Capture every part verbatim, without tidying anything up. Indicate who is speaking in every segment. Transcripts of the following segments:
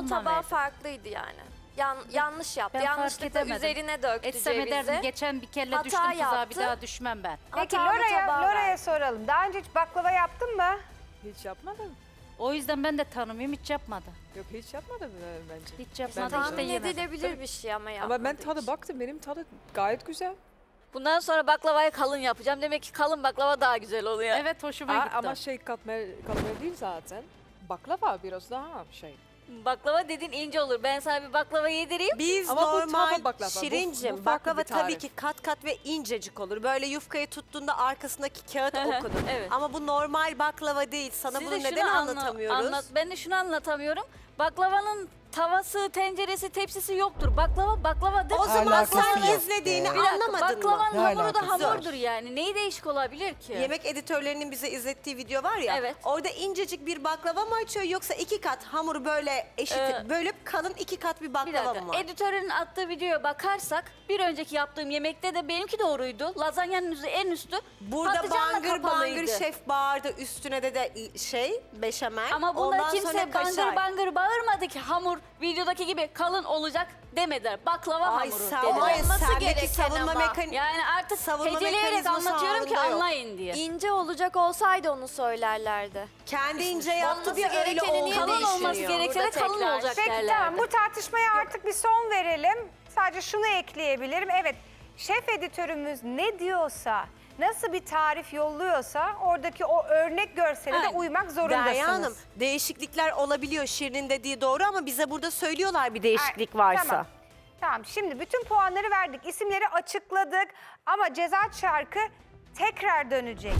Speaker 1: ondan
Speaker 2: tabağı
Speaker 1: verdim.
Speaker 2: farklıydı yani. Yan, yanlış yaptı.
Speaker 1: Ben fark
Speaker 2: Yanlışlıkla
Speaker 1: edemedim.
Speaker 2: üzerine döktü
Speaker 1: Etsem
Speaker 2: cevizi.
Speaker 1: ederdim. Geçen bir kere
Speaker 2: Hata
Speaker 1: düştüm tuzağa,
Speaker 2: yaptı.
Speaker 1: bir daha düşmem ben.
Speaker 3: Peki
Speaker 2: Hatalı
Speaker 3: Lora'ya
Speaker 2: tabağı
Speaker 3: Lora'ya
Speaker 2: verdi.
Speaker 3: soralım. Daha önce hiç baklava yaptın mı?
Speaker 4: Hiç yapmadım.
Speaker 1: O yüzden ben de tanımıyorum, hiç yapmadı.
Speaker 4: Yok hiç yapmadım e, bence.
Speaker 1: Hiç yapmadı
Speaker 4: Ben de
Speaker 1: işte
Speaker 2: Tahmin
Speaker 1: yemedim.
Speaker 2: edilebilir bir şey ama yapmadı
Speaker 4: Ama ben tadı
Speaker 2: hiç.
Speaker 4: baktım, benim tadı gayet güzel.
Speaker 5: Bundan sonra baklavayı kalın yapacağım. Demek ki kalın baklava daha güzel oluyor.
Speaker 1: Evet, hoşuma
Speaker 4: Aa,
Speaker 1: gitti.
Speaker 4: ama şey katmer, katmer değil zaten. Baklava biraz daha şey.
Speaker 5: Baklava dediğin ince olur. Ben sana bir baklava yedireyim.
Speaker 6: Biz
Speaker 4: Ama bu
Speaker 6: normal
Speaker 4: tava baklava, bu-
Speaker 6: Şirincim,
Speaker 4: bu farklı
Speaker 6: baklava
Speaker 4: bir tarif.
Speaker 6: tabii ki kat kat ve incecik olur. Böyle yufkayı tuttuğunda arkasındaki kağıt okunur.
Speaker 5: Evet.
Speaker 6: Ama bu normal baklava değil. Sana
Speaker 5: Siz
Speaker 6: bunu
Speaker 5: de şunu
Speaker 6: neden
Speaker 5: anla-
Speaker 6: anlatamıyoruz?
Speaker 5: Anlat, ben de şunu anlatamıyorum. Baklavanın tavası, tenceresi, tepsisi yoktur. Baklava baklavadır.
Speaker 6: O zaman
Speaker 7: Alakası
Speaker 6: sen
Speaker 7: yok.
Speaker 6: izlediğini
Speaker 5: Bir dakika,
Speaker 6: anlamadın mı?
Speaker 5: baklavanın
Speaker 7: Ne
Speaker 5: hamuru da
Speaker 7: alakası var?
Speaker 5: hamurdur yani. Neyi değişik olabilir ki?
Speaker 6: Yemek editörlerinin bize izlettiği video var ya.
Speaker 5: Evet.
Speaker 6: Orada incecik bir baklava mı açıyor yoksa iki kat hamuru böyle eşit
Speaker 5: Ee,
Speaker 6: bölüp kalın iki kat bir
Speaker 5: Bir
Speaker 6: baklava
Speaker 5: dakika,
Speaker 6: mı var?
Speaker 5: editörün attığı videoya bakarsak bir önceki yaptığım yemekte de benimki doğruydu. Lazanyanın üstü, en üstü
Speaker 6: Burada
Speaker 5: patlıcanla
Speaker 6: bangır
Speaker 5: kapalıydı.
Speaker 6: bangır şef bağırdı, üstüne de de şey beşamel.
Speaker 5: Ama bunda
Speaker 6: Ondan
Speaker 5: kimse
Speaker 6: sonra
Speaker 5: bangır
Speaker 6: kaşar.
Speaker 5: bangır bağırmadı ki hamur videodaki gibi kalın olacak demediler. Baklava
Speaker 6: Ay
Speaker 5: hamuru
Speaker 6: sen
Speaker 5: dediler.
Speaker 6: var ya,
Speaker 2: Olması
Speaker 6: sendeki
Speaker 2: gereken
Speaker 6: savunma
Speaker 2: ama.
Speaker 6: mekanizması.
Speaker 5: Yani artık
Speaker 6: Savunma
Speaker 5: heceleyerek
Speaker 6: mekanizması
Speaker 5: anlatıyorum ki
Speaker 6: ağrında yok.
Speaker 5: anlayın diye.
Speaker 2: İnce olacak olsaydı onu söylerlerdi.
Speaker 6: Kendi ince yaptı
Speaker 2: Olması
Speaker 6: diye öyle
Speaker 2: gerekeni niye
Speaker 6: oldu
Speaker 5: Kalın olması
Speaker 6: düşünüyor.
Speaker 5: gerekse de
Speaker 2: Burada
Speaker 5: kalın
Speaker 2: tekrar.
Speaker 5: olacak
Speaker 3: Peki
Speaker 5: derlerdi.
Speaker 3: tamam, bu tartışmaya artık bir son verelim. Sadece şunu ekleyebilirim. Evet, şef editörümüz ne diyorsa, nasıl bir tarif yolluyorsa oradaki o örnek görsele de
Speaker 5: Aynen.
Speaker 3: uymak zorundasınız.
Speaker 6: Derya Hanım, değişiklikler olabiliyor. Şirin'in dediği doğru ama bize burada söylüyorlar bir değişiklik
Speaker 3: Ay,
Speaker 6: varsa.
Speaker 3: Tamam. Tamam, şimdi bütün puanları verdik, isimleri açıkladık ama ceza çarkı tekrar dönecek.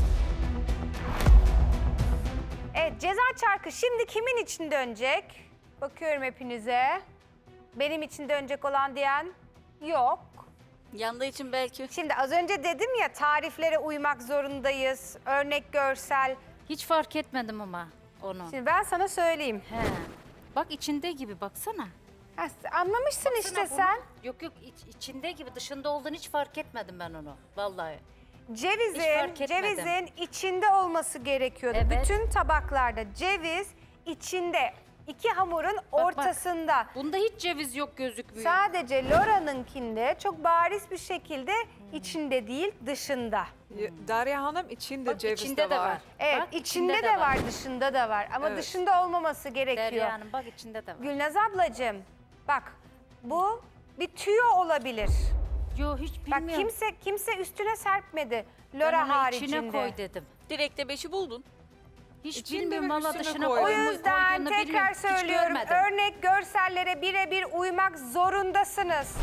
Speaker 3: Evet, ceza çarkı şimdi kimin için dönecek? Bakıyorum hepinize. Benim için dönecek olan diyen yok.
Speaker 5: Yandığı için belki.
Speaker 3: Şimdi az önce dedim ya, tariflere uymak zorundayız, örnek görsel.
Speaker 1: Hiç fark etmedim ama onu.
Speaker 3: Şimdi ben sana söyleyeyim.
Speaker 1: He. Bak içinde gibi, baksana.
Speaker 3: Ha, anlamışsın
Speaker 1: Baksana
Speaker 3: işte
Speaker 1: bunu.
Speaker 3: sen.
Speaker 1: Yok yok, iç- içinde gibi, dışında olduğunu hiç fark etmedim ben onu. Vallahi. Hiç
Speaker 3: Cevizin,
Speaker 1: fark etmedim.
Speaker 3: cevizin içinde olması gerekiyordu.
Speaker 1: Evet.
Speaker 3: Bütün tabaklarda ceviz içinde, iki hamurun
Speaker 1: bak.
Speaker 3: ortasında.
Speaker 1: Bunda hiç ceviz yok, gözükmüyor.
Speaker 3: Sadece Lora'nınkinde çok bariz bir şekilde içinde değil, dışında.
Speaker 4: Y- Derya Hanım içinde
Speaker 1: Bak,
Speaker 4: ceviz
Speaker 1: içinde
Speaker 4: de var.
Speaker 3: Evet,
Speaker 1: Bak,
Speaker 3: içinde de var, dışında da var. Ama
Speaker 4: Evet.
Speaker 3: dışında olmaması gerekiyor.
Speaker 1: Derya Hanım, bak içinde de var.
Speaker 3: Gülnaz ablacığım, bak bu bir tüyo olabilir.
Speaker 1: Yo, hiç
Speaker 3: Bak
Speaker 1: bilmiyorum.
Speaker 3: kimse kimse üstüne serpmedi.
Speaker 1: Ben
Speaker 3: Lora
Speaker 1: onu
Speaker 3: haricinde.
Speaker 1: içine koy dedim.
Speaker 5: Direkte beşi buldun.
Speaker 1: Hiç
Speaker 4: İçinde
Speaker 1: bilmiyorum
Speaker 4: ve
Speaker 1: valla,
Speaker 4: üstüne
Speaker 1: dışına
Speaker 4: koy.
Speaker 3: O
Speaker 1: koyduğunu
Speaker 3: yüzden
Speaker 1: bilmiyorum.
Speaker 3: tekrar
Speaker 1: Hiç
Speaker 3: söylüyorum,
Speaker 1: görmedim.
Speaker 3: örnek görsellere birebir uymak zorundasınız.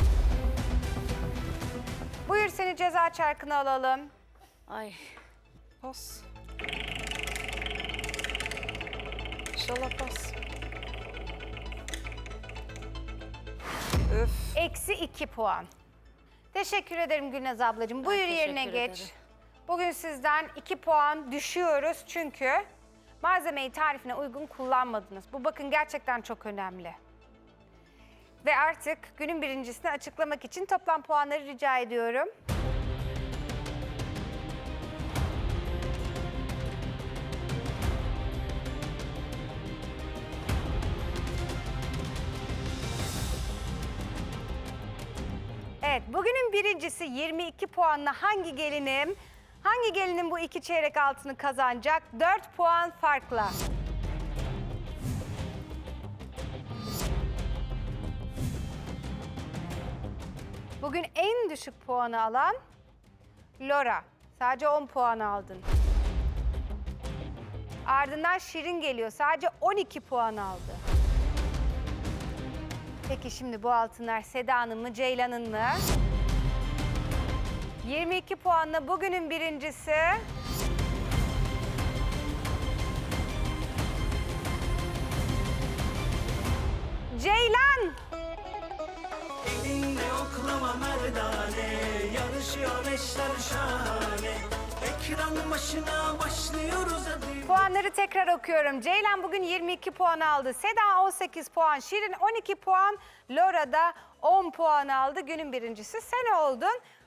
Speaker 3: Buyur, seni ceza çarkına alalım.
Speaker 5: Ay.
Speaker 4: Pas. İnşallah pas. Öf.
Speaker 3: Eksi iki puan. Teşekkür ederim Gülnaz ablacığım. Buyur
Speaker 5: teşekkür
Speaker 3: yerine geç.
Speaker 5: ederim.
Speaker 3: Bugün sizden iki puan düşüyoruz çünkü malzemeyi tarifine uygun kullanmadınız. Bu bakın gerçekten çok önemli. Ve artık günün birincisini açıklamak için toplam puanları rica ediyorum. Evet, bugünün birincisi yirmi iki puanla hangi gelinim? Hangi gelinin bu iki çeyrek altını kazanacak? dört puan farkla. Bugün en düşük puanı alan Lora. Sadece on puan aldın. Ardından Şirin geliyor. Sadece on iki puan aldı. Peki şimdi bu altınlar Seda'nın mı, Ceylan'ın mı? yirmi iki puanla bugünün birincisi Ceylan.
Speaker 8: Elinde oklama merdane, yarışıyor eşler şahane. Ekran başına başlıyoruz hadi.
Speaker 3: Puanları tekrar okuyorum. Ceylan bugün yirmi iki puan aldı. Seda on sekiz puan, Şirin on iki puan, Lora da on puan aldı. Günün birincisi sen oldun.